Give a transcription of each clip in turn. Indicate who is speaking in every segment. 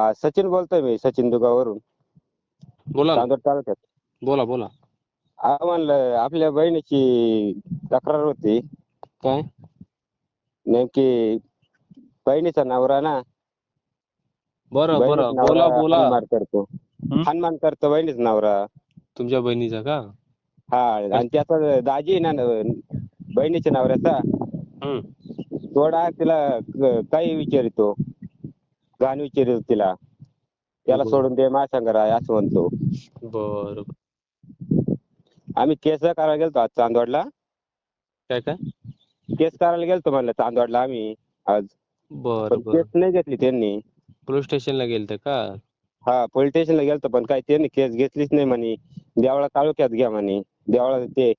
Speaker 1: सचिन बोलतोय मी, सचिन दुगावरून,
Speaker 2: बोला ना.
Speaker 1: चांदोड तालुक्यात.
Speaker 2: बोला बोला.
Speaker 1: म्हणलं आपल्या बहिणीची तक्रार होती.
Speaker 2: काय?
Speaker 1: नेमकी बहिणीचा नवरा ना,
Speaker 2: बरं बरं,
Speaker 1: बहिणीचा
Speaker 2: बोला
Speaker 1: नवरा
Speaker 2: बोला.
Speaker 1: हाणमार करतो.
Speaker 2: हं?
Speaker 1: हाणमार करतो बहिणीचा नवरा.
Speaker 2: तुमच्या बहिणीचा का?
Speaker 1: हा, आणि त्याचा दाजी आहे ना बहिणीच्या नवऱ्याचा,
Speaker 2: हं.
Speaker 1: थोडा तिला काही विचारितो, घाण विचारितो तिला. त्याला
Speaker 2: बरं
Speaker 1: सोडून दे, माझ्या संग राह असं म्हणतो.
Speaker 2: बरं.
Speaker 1: आम्ही केस करायला गेलतो आज चांदवडला.
Speaker 2: काय काय?
Speaker 1: केस करायला गेलतो म्हणलं चांदवडला आम्ही आज.
Speaker 2: बरं
Speaker 1: पण केस
Speaker 2: बरं.
Speaker 1: नाही घेतली त्यांनी.
Speaker 2: पोलीस स्टेशनला गेलते का?
Speaker 1: हा, पोलीस स्टेशनला गेलतो, पण काही त्यांनी केस घेतलीच नाही म्हणे. देवळा तालुक्यात घ्या म्हणे. देवळा ते.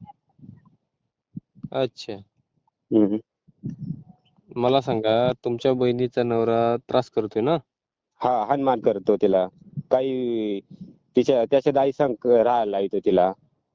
Speaker 2: अच्छा.
Speaker 1: हम्म.
Speaker 2: मला सांगा, तुमच्या बहिणीचा नवरा त्रास करतोय ना?
Speaker 1: हा, हाणमार करतो तिला. काही त्याच्या दाई संग राहायला येतो तिला.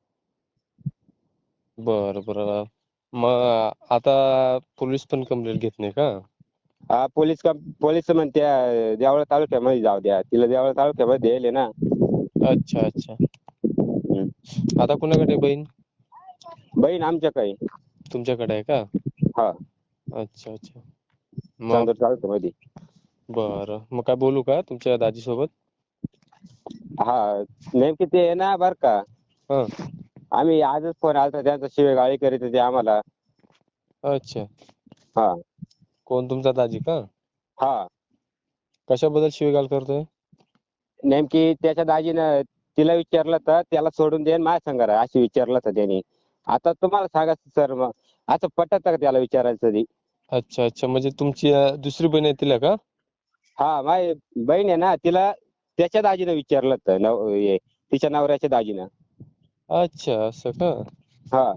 Speaker 2: बरं बरं. मग आता पोलीस पण कंप्लेंट घेत नाही का?
Speaker 1: हा, पोलीस म्हणत्या देवळा तालुक्यामध्ये जाऊ द्या. तिला देवळा तालुक्यामध्ये द्यायले ना.
Speaker 2: अच्छा अच्छा.
Speaker 1: हम्म.
Speaker 2: आता कुणाकडे आहे बहीण?
Speaker 1: बहीण आमच्याकडे.
Speaker 2: तुमच्याकडे आहे का?
Speaker 1: हा,
Speaker 2: अच्छा अच्छा. मग
Speaker 1: चांदोड तालुक्यामध्ये.
Speaker 2: बरं. मग काय बोलू का तुमच्या दाजी सोबत?
Speaker 1: हा, नेमकी ते आहे ना बर का.
Speaker 2: हं.
Speaker 1: आम्ही आजच फोन आलता त्यांचा, शिवेगाळी करीत होते आम्हाला.
Speaker 2: अच्छा.
Speaker 1: हा
Speaker 2: कोण, तुमचा दाजी का?
Speaker 1: हा,
Speaker 2: कशाबद्दल शिवीगाळ करतोय?
Speaker 1: नेमकी त्याच्या दाजीनं तिला विचारलं तर त्याला सोडून दे, माझ्या संग राह अशी विचारलं तर त्यांनी. आता तुम्हाला सांगा सर, मग असं पटत का त्याला विचारायचं तरी?
Speaker 2: अच्छा अच्छा. म्हणजे तुमची दुसरी बहीण आहे तिला का?
Speaker 1: हा, माझी बहीण आहे ना, तिला त्याच्या दाजीनं विचारलं तर तिच्या नवऱ्याच्या दाजीनं.
Speaker 2: अच्छा, असं का?
Speaker 1: हा,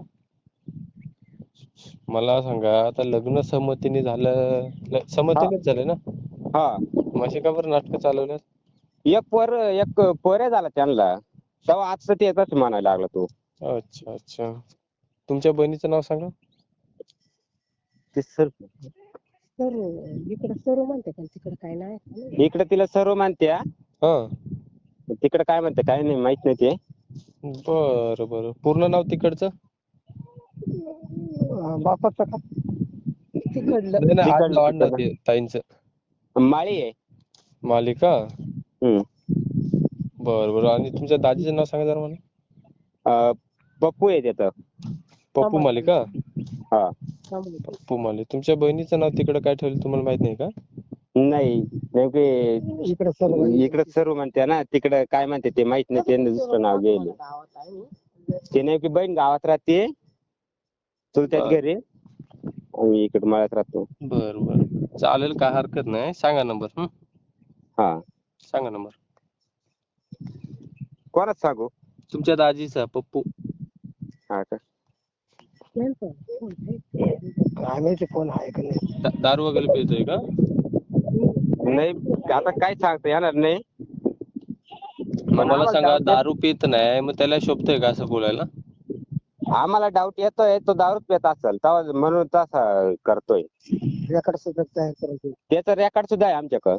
Speaker 2: मला सांगा, आता लग्न संमतीने झालं,
Speaker 1: हा,
Speaker 2: संमतीनेच झाले ना?
Speaker 1: हा.
Speaker 2: मग अशी का बरं नाटकं चालवल्यात?
Speaker 1: एक पोऱ्या झाला त्यांना. तेव्हा आजचं ते येतच म्हणायला लागला तो.
Speaker 2: अच्छा अच्छा. तुमच्या बहिणीचं नाव सांगा.
Speaker 1: ते सर,
Speaker 3: इकडे सर्व म्हणते पण तिकडे काय नाही.
Speaker 1: इकडे तिला सर्व मानत्या,
Speaker 2: हा.
Speaker 1: तिकडे काय म्हणते काय नाही माहित नाही ते.
Speaker 2: बरं बरं. पूर्ण नाव तिकडचं?
Speaker 3: बापाचं का? तिकडलं.
Speaker 2: नाही नाही,
Speaker 1: तिकडलं
Speaker 2: आडनाव आडनाव
Speaker 1: तिकडलं
Speaker 2: ते ताईंचं.
Speaker 1: माळी आहे.
Speaker 2: मालिका?
Speaker 1: हम्म.
Speaker 2: बरं बरं. आणि तुमच्या दाजीचं नाव सांगा जरा मला.
Speaker 1: पप्पू आहे त्याचं.
Speaker 2: पप्पू मालिका?
Speaker 1: हा,
Speaker 2: पप्पू माली. तुमच्या बहिणीचं नाव तिकडे काय ठेवलं तुम्हाला माहित नाही का?
Speaker 1: नाही, नेमके इकडे सर्व म्हणते ना, तिकडे काय म्हणते ते माहित नाही. त्यांनी दुसरं नाव घेईल. ते नेमकी बहीण गावात राहते, चुलत्याच्या घरी. आम्ही इकडे मळ्यात राहतो.
Speaker 2: बरं बरं. चालेल, काय हरकत नाही. सांगा नंबर.
Speaker 1: हा,
Speaker 2: सांगा नंबर.
Speaker 1: कोणाच सांगू?
Speaker 2: तुमच्या दाजीचा, पप्पू.
Speaker 1: हा का?
Speaker 3: काय माहिती कोण आहे का नाही.
Speaker 2: दारू वगैरे पितोय का?
Speaker 1: नाही, आता काय सांगता येणार नाही.
Speaker 2: मग
Speaker 1: पण
Speaker 2: मला
Speaker 1: आम्हाला
Speaker 2: सांगा,
Speaker 1: डाऊट
Speaker 2: दारू पित नाही, मग त्याला शोभतंय का असं बोलायला?
Speaker 1: आम्हाला डाऊट येतोय, तो दारूच पित असेल तेव्हा म्हणून तसा करतोय.
Speaker 3: रेकॉर्ड सुद्धा तयार करायचं.
Speaker 1: त्याचं रेकॉर्ड सुद्धा आहे आमच्याकडं.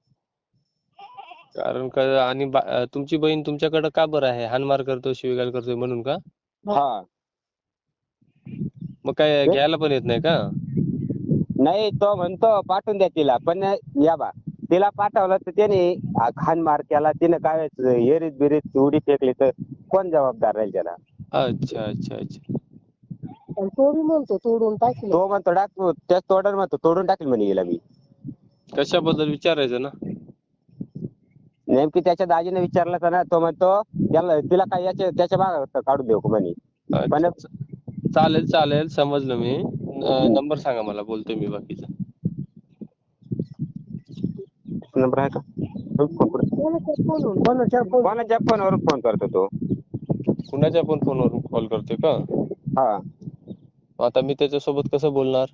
Speaker 2: कारण का, आणि तुमची बहीण तुमच्याकडे का बरं आहे? हाणमार करतो, शिवीगाळ करतोय म्हणून का?
Speaker 1: हा,
Speaker 2: मग काय घ्यायला पण येत नाही का?
Speaker 1: नाही, तो म्हणतो पाठवून द्या तिला, पण या बा तिला पाठवलं तर त्याने हाणमार केला, तिने काय एरीत बिरीत उडी फेकली तर कोण जबाबदार राहील त्याला?
Speaker 2: अच्छा अच्छा अच्छा.
Speaker 3: आणि तोडी म्हणतो तोडून टाकलं.
Speaker 1: तो म्हणतो टाकू, त्याच तोडर म्हणतो तोडून टाकेल म्हणे गेला मी.
Speaker 2: कशाबद्दल विचारायचं ना?
Speaker 1: नेमकी त्याच्या दाजीने विचारलं तर ना, तो म्हणतो तिला काय त्याच्या मागे काढून देऊ म्हणे. पण
Speaker 2: अच्छा. चालेल चालेल, समजलं मी. नंबर सांगा मला, बोलतोय मी बाकीचं.
Speaker 1: नंबर आहे का? कोणाच्या फोनवरून फोन करतो तो?
Speaker 2: कुणाच्या पण फोनवरून कॉल करतोय का?
Speaker 1: हा.
Speaker 2: आता मी त्याच्यासोबत कसं बोलणार?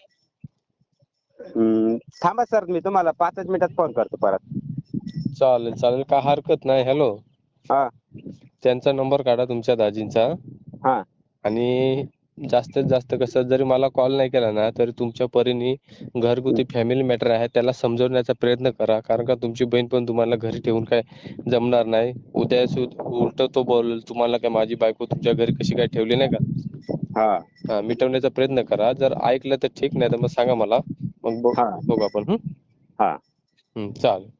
Speaker 1: थांबा सर, मी तुम्हाला 5 मिनिटात फोन करतो परत.
Speaker 2: चालेल चालेल, काय हरकत नाही. हॅलो,
Speaker 1: हा
Speaker 2: त्यांचा नंबर काढा तुमच्या दाजींचा,
Speaker 1: हा
Speaker 2: आणि जास्तीत जास्त कसं जरी मला कॉल नाही केला ना तरी तुमच्या परीने घरगुती फॅमिली मॅटर आहे त्याला समजवण्याचा प्रयत्न करा, कारण का तुमची बहीण पण तुम्हाला घरी ठेवून काय जमणार नाही. उद्या उलट तो बोल तुम्हाला काय माझी बायको तुमच्या घरी कशी काय ठेवली नाही का.
Speaker 1: हा
Speaker 2: हा मिटवण्याचा प्रयत्न करा. जर ऐकलं तर ठीक, नाही तर मग सांगा मला, मग
Speaker 1: हा
Speaker 2: बघू आपण.
Speaker 1: हा
Speaker 2: चालेल.